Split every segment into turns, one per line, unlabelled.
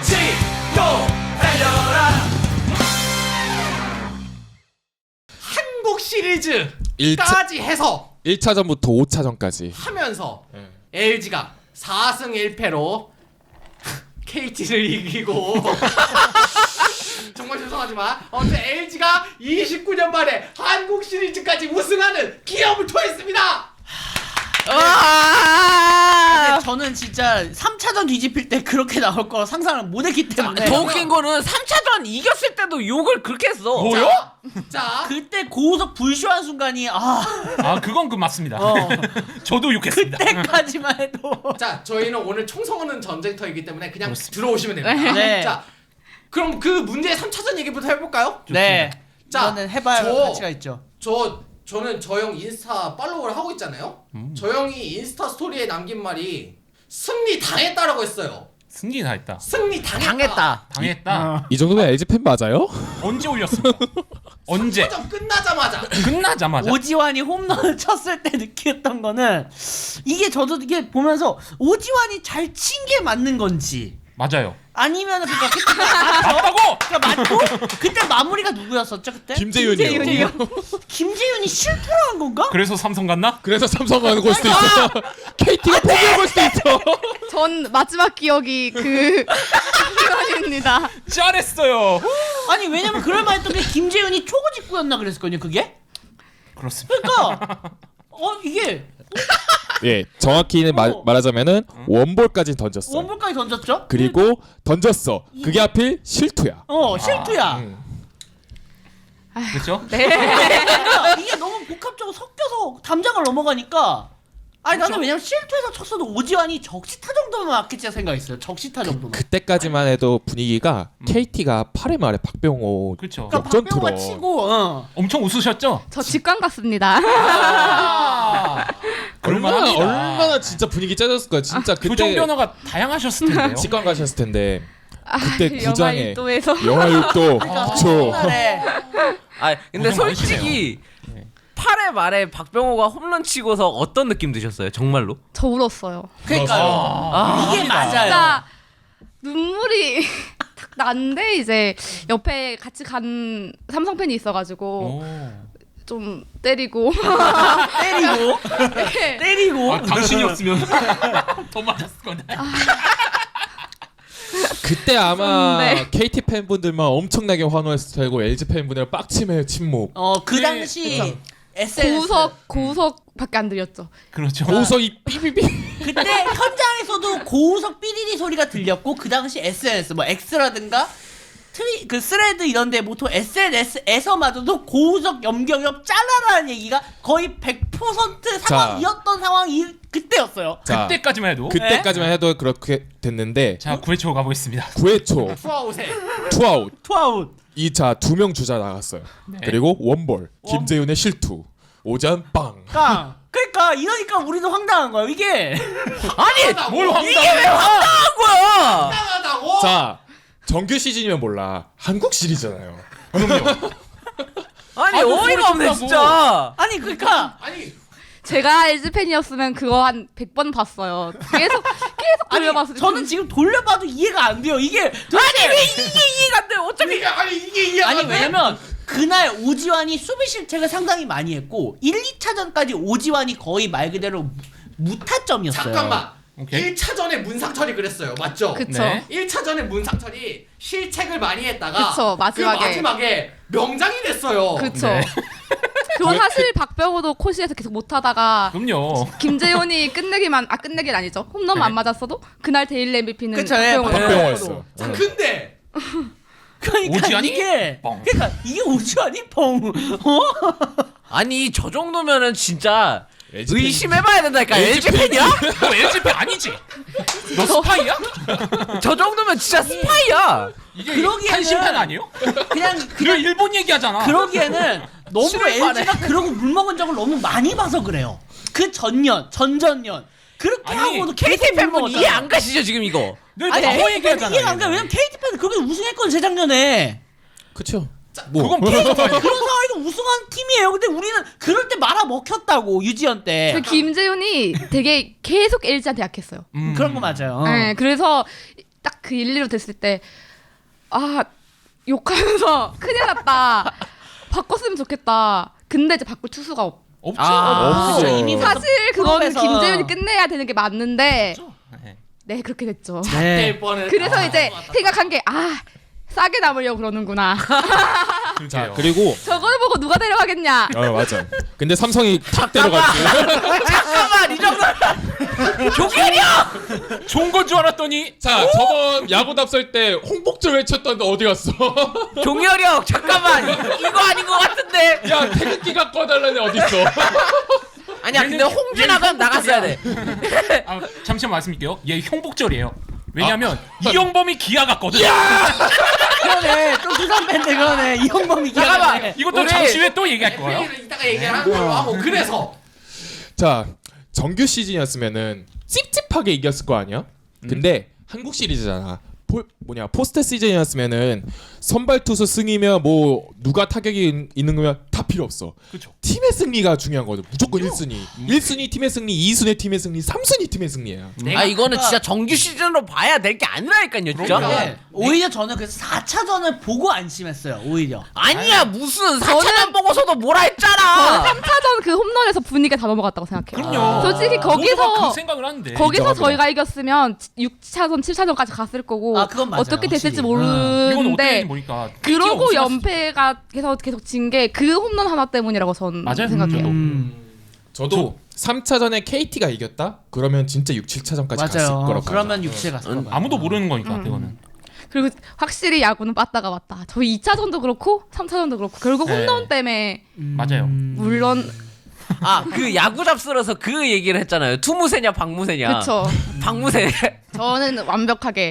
치고 달려라. 한국 시리즈까지 해서
1차전부터 5차전까지
하면서 LG가 4승 1패로 KT를 이기고 정말 죄송하지만 LG가 29년 만에 한국 시리즈까지 우승하는 기염을 토했습니다.
근데 저는 진짜 3차전 뒤집힐 때 그렇게 나올 거라 상상을 못했기 때문에.
더 웃긴 거는 3차전 이겼을 때도 욕을 그렇게 했어.
뭐요?
자,
그때 고우석 불쇼한 순간이
그건 맞습니다. 저도 욕했습니다.
그때까지만 해도.
자, 저희는 오늘 총성하는 전쟁터이기 때문에 그냥 들어오시면 됩니다.
네.
자, 그럼 그 문제의 3차전 얘기부터 해볼까요?
네.
자,
이거는 해봐야 가치가 있죠.
저는 저 형 인스타 팔로우를 하고 있잖아요. 저 형이 인스타 스토리에 남긴 말이 승리 당했다라고 했어요.
승리 다 했다.
승리 당했다.
당했다.
이 정도면 LG팬 맞아요?
언제 올렸습니까? 언제?
3차전 끝나자마자.
끝나자마자.
오지환이 홈런을 쳤을 때 느꼈던 거는 저도 이게 보면서 오지환이 잘 친 게 맞는 건지
맞아요.
아니면 그때
맞다고!
그러니까 맞고 그때 마무리가 누구였었죠 그때?
김재윤이요.
김재윤이 실패를 한 건가?
그래서 삼성 갔나?
그래서 삼성 가는 걸 수도 있어. KT가 포기한 걸 수도 있어.
전 마지막 기억이 그 시간입니다.
잘했어요.
아니 왜냐면 그럴 만했던 게 김재윤이 초구 직구였나 그랬었거든요 그게?
그렇습니다.
그러니까 이게
예, 정확히는 말하자면은 원볼까지 던졌어.
원볼까지 던졌죠?
그리고 던졌어. 그게 하필 실투야.
실투야.
그렇죠?
그러니까 이게 너무 복합적으로 섞여서 담장을 넘어가니까 나는 왜냐면 실투에서 쳤어도 오지환이 적시타 정도면 맞겠지 생각했어요. 적시타 정도면.
그때까지만 해도 분위기가 KT가 8회 말에 박병호
그렇죠.
그러니까
역전
박병호가
투러.
치고
엄청 웃으셨죠?
저 직관 갔습니다.
얼마나 진짜 분위기 짜졌을 거야. 진짜
표정
그때
변화가 다양하셨을 텐데요.
직관 가셨을 텐데 그때 구장에
영화일도에서
영화 6도 그쵸.
옛날에
근데
고생
솔직히 8회 말에 박병호가 홈런 치고서 어떤 느낌 드셨어요? 정말로?
저 울었어요.
그러니까요. 이게 맞아요.
진짜 눈물이 탁 났는데 이제 옆에 같이 간 삼성 팬이 있어가지고 좀 때리고
때리고
당신이었으면 더 맞았을 건데.
그때 아마
네.
KT 팬분들만 엄청나게 환호했을 테고 LG 팬분들은 빡침의 침묵.
그 당시 SNS
고우석밖에 안 들렸죠.
그렇죠.
고우석이 삐삐삐.
그때 현장에서도 고우석 삐리리 소리가 들렸고 그 당시 SNS 뭐 X라든가 그 스레드 이런데 보통 SNS에서마저도 고우석 염경엽 잘라라는 얘기가 거의 100% 상황이었던 상황이 그때였어요.
자,
그때까지만 해도.
그때까지만 해도 그렇게 됐는데
자, 9회 초 가보겠습니다.
9회 초
투아웃에
투아웃.
투아웃.
2차 2명 주자 나갔어요. 그리고 원볼 김재윤의 실투. 오전 빵.
그러니까 이러니까 우리도 황당한 거야. 이게
아니!
뭘 황당해?
이게 왜 황당한 거야!
당하다고.
자, 정규 시즌이면 몰라. 한국 시리즈잖아요.
그럼요.
아니
아니,
어이가 없네
소리
진짜.
아니 그러니까
아니
제가 LG 팬이었으면 그거 한 100번 봤어요. 계속 돌려봤어요.
저는 지금 돌려봐도 이해가 안 돼요. 이게
아니 왜 이게 이해가 안 돼? 어차피
이게 이해 안
아니
돼?
왜냐면 그날 오지환이 수비 실책을 상당히 많이 했고 1, 2차전까지 오지환이 거의 말 그대로 무타점이었어요.
잠깐만.
오케이.
1차전에 문상철이 그랬어요. 맞죠?
그쵸.
네.
1차전에 문상철이 실책을 많이 했다가
그쵸, 마지막에.
그 마지막에 명장이 됐어요.
그쵸.
네.
그거 사실 박병호도 코시에서 계속 못하다가
그럼요.
김재훈이 끝내긴 아니죠. 홈런만 안 맞았어도 그날 데일리 MVP는
그쵸, 예,
박병호였어.
자, 근데
그러니까
오지환이
이게
뻥.
그러니까 이게 오지환이 뻥.
아니 저 정도면은 진짜
LG 팬.
의심해봐야 된다니까. LG 팬이야?
너 LG 팬 아니지? 너 스파이야?
저 정도면 진짜 스파이야.
이게
그러기에는-
한심팬 아니에요?
그냥
늘 일본 얘기하잖아.
그러기에는 너무
술을
LG가 그러고 물 먹은 적을 너무 많이 봐서 그래요. 그 전전 그렇게
아니,
하고도
KT 팬분 이해 안 가시죠 지금 이거?
늘
아니
바보 얘기하잖아.
이해가 안 가. 왜냐면 KT 팬은 그렇게 우승했거든 재작년에.
그쵸.
그건 KT 팬.
그런 상황에서 우승한 팀이에요. 근데 우리는 그럴 때 말아 먹혔다고 유지연 때.
그 김재훈이 되게 계속 LG한테 약했어요.
그런 거 맞아요.
네, 그래서 딱 그 1, 2로 됐을 때 아 욕하면서 큰일 났다. 바꿨으면 좋겠다. 근데 이제 바꿀 투수가 없.
없죠.
없죠.
이미
사실 그거는
프로에서-
김재윤이 끝내야 되는 게 맞는데
네.
네 그렇게 됐죠.
네.
될 뻔했다.
그래서 이제 생각한 게 싸게 남으려고 그러는구나.
자 그리고
저거를 보고 누가 데려가겠냐.
맞아. 근데 삼성이 탁 데려갔지.
잠깐만 이 정도.
조결이요.
좋은 건 줄 알았더니
자 저번 야구 답설 때 홍복절 외쳤던 너 어디 갔어?
종열형 잠깐만 이거 아닌 것 같은데.
야 태극기 갖고 와달라니 어디 있어?
아니야 근데 홍준아가 나갔어야 돼.
아, 잠시만 말씀드릴게요. 얘 형복절이에요. 왜냐면 이영범이 기아 갔거든.
그러네. 또 두산 밴드 그러네. 이형범이
잠깐만.
기억나네.
이것도
우리-
잠시 후에 또 얘기할 거예요.
FA를 이따가 얘기하는 걸로 하고 그래서
자 정규 시즌이었으면은 찝찝하게 이겼을 거 아니야? 근데 한국 시리즈잖아. 포스트 시즌이었으면은 선발 투수 승이면 뭐 누가 타격이 있는 거면 다 필요 없어.
그렇죠.
팀의 승리가 중요한 거죠. 무조건 1순위. 1순위 팀의 승리, 2순위 팀의 승리, 3순위 팀의 승리야.
아 이거는 진짜 정규 시즌으로 봐야 될 게 아니라니까요 진짜.
네. 오히려 저는 그래서 4차전을 보고 안심했어요. 오히려.
아니야 무슨 4차전 보고서도 뭐라 했잖아.
3차전 그 홈런에서 분위기가 다 넘어갔다고 생각해요.
그럼요.
솔직히
모두가
거기서
그 생각을 하는데.
거기서
인정합니다.
저희가 이겼으면 6차전, 7차전까지 갔을 거고
그건 맞아요,
어떻게 됐을지
확실히.
이건 어떻게
모르는데
됐는지 모르니까.
그러고
KT 가
연패가 계속 진 게 그 홈런 하나 때문이라고 전
맞아요.
생각해요.
저도 3차전에 KT가 이겼다? 그러면 진짜 6, 7차전까지 갔을
맞아요.
거라고.
그러면 6체 갔을 거예요.
아무도 모르는 거니까 그거는.
그리고 확실히 야구는 빠따가 맞다. 저희 2차전도 그렇고 3차전도 그렇고 결국
네.
홈런 때문에
맞아요.
물론
아 그 야구 잡스러서 그 얘기를 했잖아요. 투무새냐 박무새냐.
그쵸.
박무새.
저는 완벽하게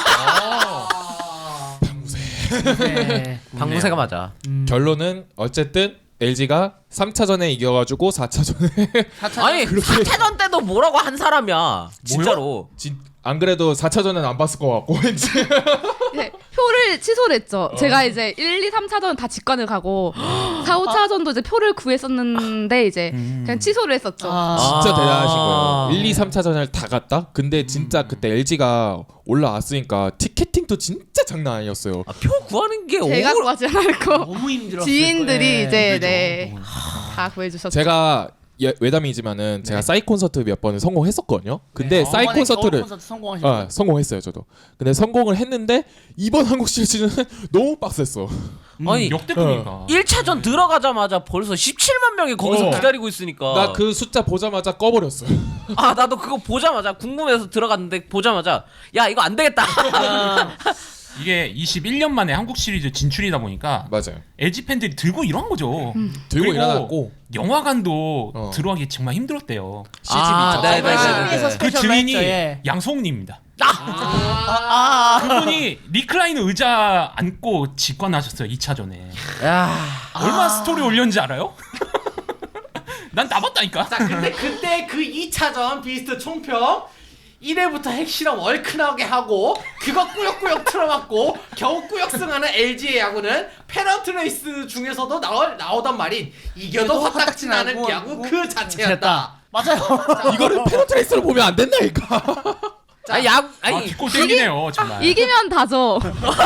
네.
박무새가 맞아.
결론은 어쨌든 LG가 3차전에 이겨가지고 4차전에
아니 4차전 때도 뭐라고 한 사람이야. 진짜로.
안 그래도 4차전은 안 봤을 것 같고 왠지.
이제 표를 취소를 했죠. 제가 이제 1, 2, 3차전 다 직관을 가고 4, 5차전도 이제 표를 구했었는데 이제 그냥 취소를 했었죠.
진짜 대단하신
아.
거예요. 1, 2, 3차전을 다 갔다? 근데 진짜 그때 LG가 올라왔으니까 티켓팅도 진짜 장난 아니었어요.
표 구하는 게
제가 구하지 않았고
너무 힘들었을
지인들이
거예요.
이제 네, 다 구해주셨죠.
제가 외담이지만은 제가 싸이 콘서트 몇 번을 성공했었거든요. 근데 싸이
이번에
콘서트를
겨울 콘서트 성공하신 거예요.
성공했어요 저도. 근데 성공을 했는데 이번 한국 시리즈는 너무 빡셌어.
아니
역대급이니까.
1차전 들어가자마자 벌써 17만 명이 거기서
어.
기다리고 있으니까.
나 그 숫자 보자마자 꺼버렸어요.
아 나도 그거 보자마자 궁금해서 들어갔는데 보자마자 야 이거 안 되겠다.
이게 21년 만에 한국 시리즈 진출이다 보니까
맞아요.
LG 팬들이 들고 일어난 거죠.
들고
그리고
일어났고
영화관도 들어가기 정말 힘들었대요.
아, 네, 네, 네, 네.
그
스페셜로
증인이
했죠, 예.
양성욱님입니다.
아.
그분이 리클라이너 의자 앉고 직관하셨어요 2차전에.
야.
얼마나 스토리 올렸는지 알아요? 난 나봤다니까.
자 근데 그때 그 2차전 비스트 총평 1회부터 핵실험 얼큰하게 하고 그거 꾸역꾸역 틀어맞고 겨우 꾸역승하는 LG의 야구는 페넌트 레이스 중에서도 나오던 말인 이겨도 화딱지 나는 야구 그 자체였다.
맞아요.
이거를 페널트레이스로 보면 안 된다니까.
아 야구
아
아니
뒷골 땡기네요 정말.
이기면 다죠.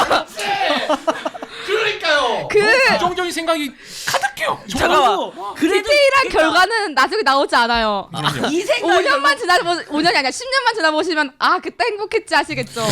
그러니까요.
그
부정적인 생각이 가득해요.
잠깐만.
그래도
디테일한 결과는 나중에 나오지 않아요.
이 생각이
5년만 지나보 5년이 아니라 10년만 지나보시면 그때 행복했지 하시겠죠.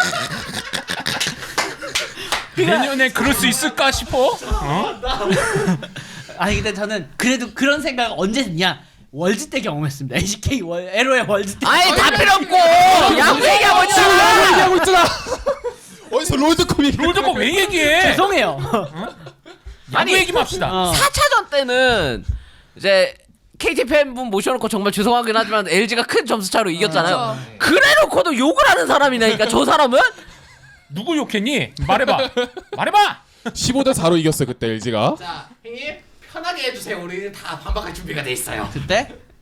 내년에 그럴 수 있을까 싶어. 어?
아니 근데 저는 그래도 그런 생각 언제 했냐? 월즈 때 경험했습니다. LCK LO의 월즈 때.
아니 다 필요 없고 야구 얘기하고 있잖아.
얘기하고 있잖아. 어디서 롤드컵 얘기?
롤드컵 왜 얘기해?
죄송해요.
야구 얘기만 합시다.
4차전 때는 이제 KT 팬분 모셔놓고 정말 죄송하긴 하지만 LG가 큰 점수 차로 이겼잖아요. 그래놓고도 욕을 하는 사람이라니까 저 사람은.
누구 욕했니? 말해봐. 말해봐.
15대 4로 이겼어요 그때 LG가.
자 형님 편하게 해주세요. 우리는 다 반박할 준비가 돼 있어요.
그때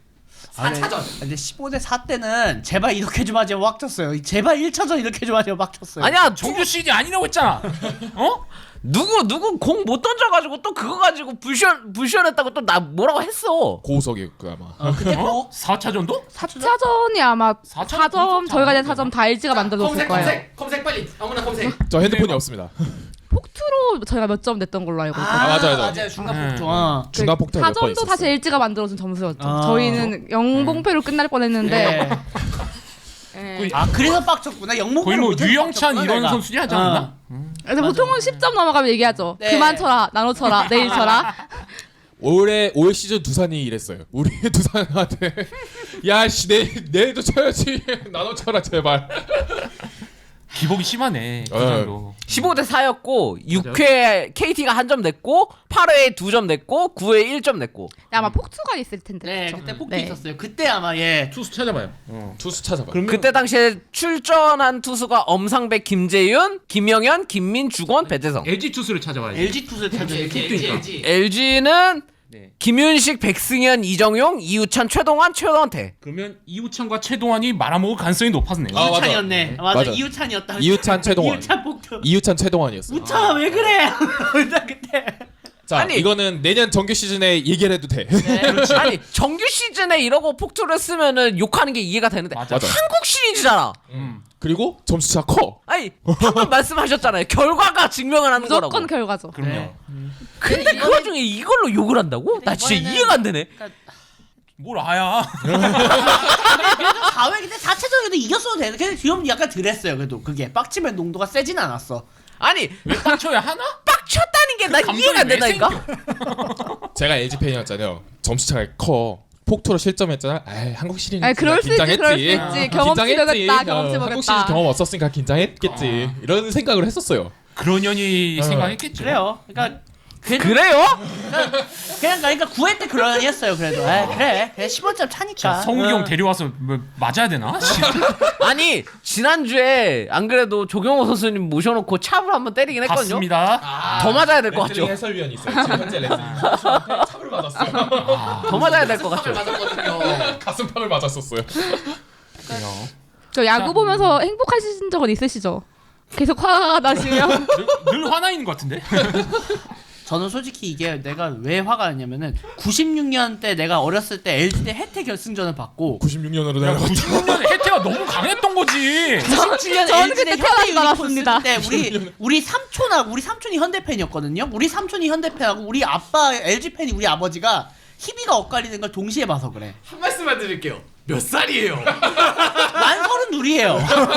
4차전.
근데 15대 4 때는 제발 이렇게 좀 하지 막 쳤어요. 제발 1차전 이렇게 좀 하지 막 쳤어요.
아니야
정규 시즌 아니라고 했잖아. 어?
누구 공 못 던져가지고 또 그거 가지고 불시원했다고 또 나 뭐라고 했어.
고우석이 그 아마.
그때 뭐
4차전도?
4차전이 아마
4차전
4점 저희가 낸 4점 다 LG가 만들어줬을 거예요.
검색 빨리. 아무나 검색.
저 핸드폰이 없습니다.
폭투로 저희가 몇 점 냈던 걸로 알고 있어요.
맞아요.
중간 폭주. 어.
중간 폭탄 몇번
4점도
있었어요.
사실 LG가 만들어준 점수였죠.
아.
저희는 영봉패로 끝날 뻔했는데
네.
예.
아 그래서 빡쳤구나. 영목
거의 뭐 유영찬 이런 선수들이 하지 않았나?
그래서 보통은 10점 넘어가면 얘기하죠.
네.
그만 쳐라, 나눠 쳐라, 내일 쳐라.
올 시즌 두산이 이랬어요. 우리 두산한테 야씨 내일도 쳐야지. 나눠 쳐라 제발.
기복이 심하네. 그
어.
정도.
15대 4였고 6회 KT가 한 점 냈고 8회에 2점 냈고 9회에 1점 냈고.
아마 폭투가 있을 텐데.
네,
그쵸?
그때 폭주
네.
있었어요. 그때 아마 예.
투수 찾아봐요.
투수 찾아봐.
그때 당시에 출전한 투수가 엄상백, 김재윤, 김영현, 김민, 주건, 배재성.
LG 투수를 찾아봐야지.
LG 투수를 찾아요.
LG.
LG는
네.
김윤식, 백승현, 이정용, 이우찬, 최동환, 최원태.
그러면 이우찬과 최동환이 말아먹을 가능성이 높았네요.
아, 맞아.
이우찬이었네. 맞아.
맞아.
이우찬이었다.
이우찬 최동환.
이우찬 폭주.
이우찬 최동환이었어요.
우찬아 왜 그래? 일단 그때.
자
아니.
이거는 내년 정규 시즌에 얘기를 해도 돼.
아니 정규 시즌에 이러고 폭투를 쓰면은 욕하는 게 이해가 되는데
맞아.
한국 시리즈잖아.
그리고 점수차 커.
아니 방금 말씀하셨잖아요. 결과가 증명을 하는
무조건
거라고.
결과죠.
그럼요.
네.
근데 그 와중에 이걸로 욕을 한다고? 나 진짜
이번에는-
이해가 안 되네.
뭘 아야.
4회 그때 4차전에도 이겼어도 되는데 근데 좀 약간 덜했어요. 그래도 그게 빡치면 농도가 세진 않았어.
아니
왜 빡쳐야 하나?
빡쳤다는 게 나
감정이
이해가 안
왜
된다니까.
제가 LG 팬이었잖아요. 점수차가 커. 폭투로 실점했잖아. 에이, 한국 시리즈
아니, 그럴 수 있지, 그럴 수 있지. 경험치 먹였다, 경험치
한국
먹였다.
시리즈 경험 없었으니까 긴장했겠지. 이런 생각을 했었어요.
그런 년이 생각했겠죠.
그래요. 그러니까
그래요?
그러니까 9회 때 그러니 했어요. 그래도 그래 15점 차니까.
자, 성욱이 형 데려와서 뭐 맞아야 되나?
아니 지난주에 안 그래도 조경호 선수님 모셔놓고 찹을 한번 때리긴 했거든요.
봤습니다.
더 맞아야 될 것
레슬링
같죠?
해설위원이 있어요. 지금 현재 레슬링 선수한테 찹을 맞았어요.
더 맞아야 될 것 같죠?
맞았거든요.
가슴팍을 맞았었어요.
그래요.
저 야구 보면서 행복하신 적은 있으시죠? 계속 화가 나시면
늘 화나 있는 것 같은데.
저는 솔직히 이게 내가 왜 화가 났냐면은 96년 때 내가 어렸을 때 LG 대 혜태 결승전을 받고
96년으로
야,
내려갔죠.
96년에 혜태가 너무 강했던 거지.
97년
저는
LG 대
그때
현대
태어나지
유니콘
않았습니다.
쓸 때 우리 삼촌이 현대 팬이었거든요. 우리 삼촌이 현대 팬하고 우리 아빠 LG 팬이 우리 아버지가 희비가 엇갈리는 걸 동시에 봐서 그래.
한 말씀만 드릴게요. 몇 살이에요?
난 32이에요.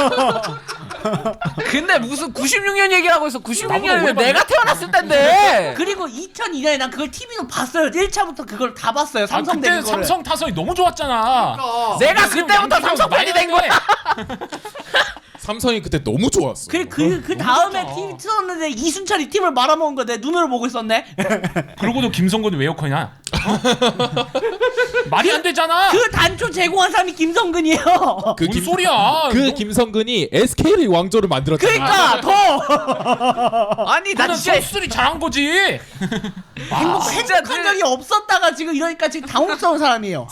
근데 무슨 96년 얘기를 하고 있어.
나보다
96년이면
오래 봤네.
내가 태어났을 텐데.
그리고 2002년에 난 그걸 TV로 봤어요. 1차부터 그걸 다 봤어요.
아,
삼성
그때
되는 거를.
삼성 타선이 너무 좋았잖아.
내가 그때부터 삼성팬이 된 거야.
삼성이 그때 너무 좋았어.
그 다음에 팀 틀었는데 이순철이 팀을 말아먹은 거 내 눈으로 보고 있었네.
그러고도 김성근이 왜 욕하냐? 어? 말이 안 되잖아.
그 단초 제공한 사람이 김성근이에요.
그
뭔 소리야?
그 김성근이 SK를 왕조를 만들었잖아.
그러니까 더
아니 나
나는
진짜
선수들이 잘한 거지.
행복한 적이 없었다가 지금 이러니까 지금 당혹스러운 사람이에요.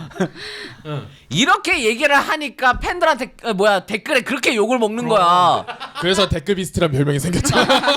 이렇게 얘기를 하니까 팬들한테 댓글에 그렇게 욕을 먹는 거야.
그래서 댓글 비스트란 별명이 생겼죠.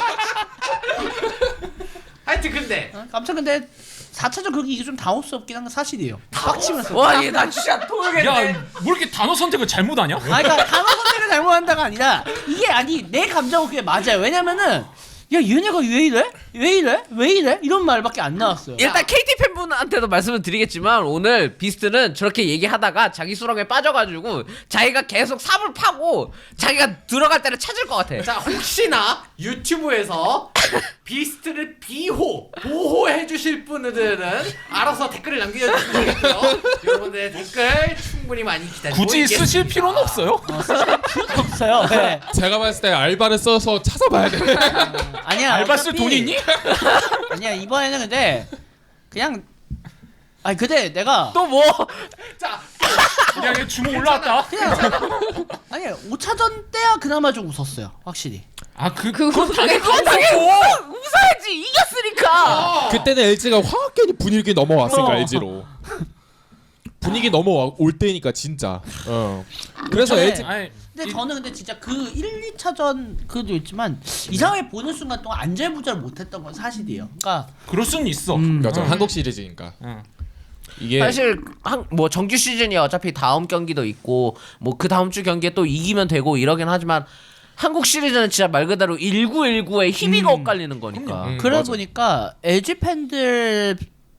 하여튼 근데
깜짝 근데 4차전 그렇게 이게 좀 당혹스럽긴 한 건 사실이에요. 빡치면서.
와, 얘 나 진짜 토하겠네.
야, 뭐 이렇게 단어 선택을 잘못하냐?
아, 그러니까 단어 선택을 잘못한다가 아니라 이게 아니 내 감정은 그게 맞아요. 왜냐면은 야 얘네가 왜 이래? 왜 이래? 왜 이래? 이런 말밖에 안 나왔어요.
일단 KT 팬분한테도 말씀을 드리겠지만 오늘 비스트는 저렇게 얘기하다가 자기 수렁에 빠져가지고 자기가 계속 삽을 파고 자기가 들어갈 때를 찾을 것 같아.
자 혹시나 유튜브에서 비스트를 보호해 주실 분들은 알아서 댓글을 남겨주시면 되겠고요. 여러분들의 댓글 충분히 많이 기다리고
굳이
있겠습니다.
쓰실 필요는 없어요.
없어요. 네.
제가 봤을 때 알바를 써서 찾아봐야 돼.
아니야.
알바 쓸
어차피-
돈 있니?
아니야 이번에는 근데 그냥 아니 근데 내가
또 뭐?
자
야, 얘 주먹 올라왔다.
아니 5차전 때야 그나마 좀 웃었어요. 확실히.
아,
그거
당연히
그건 당연히 웃어야지 이겼으니까.
그때는 LG가 화학계니 분위기 넘어왔으니까 LG로. 분위기 넘어올 때니까 진짜. 그래서
네.
LG
아니,
근데 저는 근데 진짜 그 1, 2차전 그도 있지만 이상하게 보는 순간 동안 안절부절 못했던 건 사실이에요. 그러니까
그럴 수는 있어.
맞아.
응.
한국 시리즈니까.
응.
이게
사실 뭐 정규 시즌이 어차피 다음 경기도 있고 뭐 그 다음 주 경기에 또 이기면 되고 이러긴 하지만 한국 시리즈는 진짜 말 그대로 1919에 희비가 엇갈리는 거니까.
그래
맞아.
보니까 LG 팬들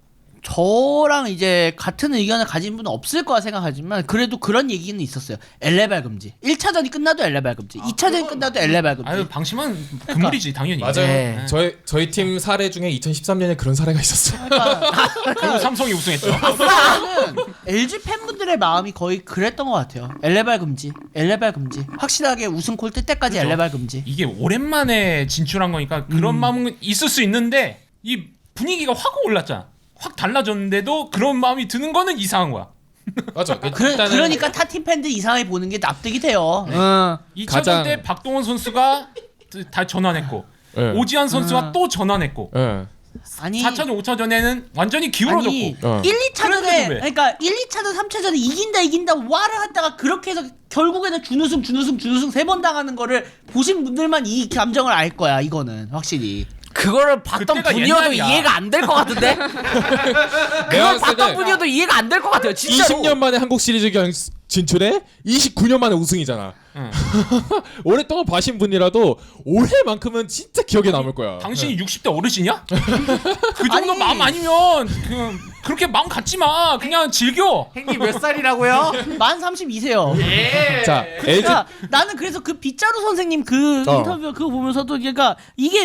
저랑 이제 같은 의견을 가진 분은 없을 거라 생각하지만 그래도 그런 얘기는 있었어요. 엘레발 금지. 1차전이 끝나도 엘레발 금지. 2차전이 끝나도 엘레발 금지.
아유 방심은 금물이지 당연히.
맞아요.
네.
저희 팀 사례 중에 2013년에 그런 사례가 있었어요.
그러니까
그리고 삼성이 우승했죠.
저는 LG 팬분들의 마음이 거의 그랬던 것 같아요. 엘레발 금지. 엘레발 금지. 확실하게 우승콜 뜰 때까지
그죠.
엘레발 금지.
이게 오랜만에 진출한 거니까 그런 마음은 있을 수 있는데 이 분위기가 확 올랐잖아. 확 달라졌는데도 그런 마음이 드는 거는 이상한 거야.
맞아.
그러니까 타팀 팬들 이상하게 보는 게 납득이 돼요.
2차전
가장-
때 박동원 선수가 다 전환했고
네.
오지환 선수가 또 전환했고
예.
아니
4차전 5차전에는 완전히 기울어졌고
아니
어.
1, 2차전에
그런데도 왜?
그러니까 1, 2차전, 3차전에 이긴다 와를 하다가 그렇게 해서 결국에는 준우승 3번 당하는 거를 보신 분들만 이 감정을 알 거야. 이거는 확실히.
그거를 봤던
그때가
분이어도
옛날이야.
이해가 안 될 것 같은데.
내가
그걸
봤을
봤던
때
분이어도 이해가 안 될 것 같아요. 진짜로.
20년 만에 한국 시리즈 진출해 29년 만에 우승이잖아.
응.
오랫동안 봐신 분이라도 올해만큼은 진짜 기억에 남을 거야.
당신이 60대 어르신이야? 그 정도
아니.
마음 아니면 그렇게 마음 갖지 마. 그냥 즐겨.
형님 몇 살이라고요?
만 32세요.
자, LG
그러니까 나는 그래서 그 빗자루 선생님 그
어.
인터뷰 그거 보면서도 그러니까 이게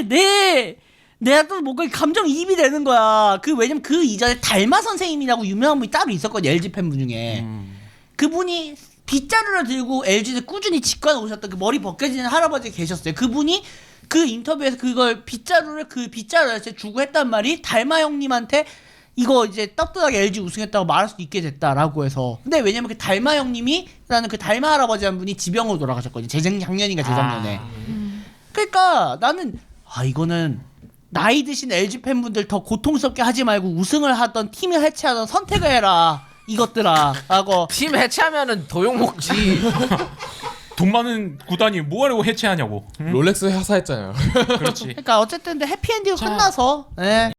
내가 또 뭔가 감정이입이 되는 거야. 왜냐면 그 이전에 달마 선생님이라고 유명한 분이 따로 있었거든요. LG 팬분 중에. 그분이 빗자루를 들고 LG를 꾸준히 직관 오셨던 그 머리 벗겨지는 할아버지 계셨어요. 그분이 그 인터뷰에서 그걸 빗자루를 주고 했단 말이 달마 형님한테 이거 이제 떳떳하게 LG 우승했다고 말할 수 있게 됐다라고 해서. 근데 왜냐면 그 달마 형님이라는 그 달마 할아버지 한 분이 지병으로 돌아가셨거든요. 작년인가 재작년에. 그러니까 나는 이거는 나이 드신 LG 팬분들 더 고통스럽게 하지 말고 우승을 하던 팀을 해체하던 선택을 해라. 이것들아 라고.
팀 해체하면은 도용 먹지.
돈 많은 구단이 뭐하려고 해체하냐고. 응?
롤렉스 회사했잖아요.
그렇지.
그러니까 어쨌든 근데 해피엔딩이 끝나서 예.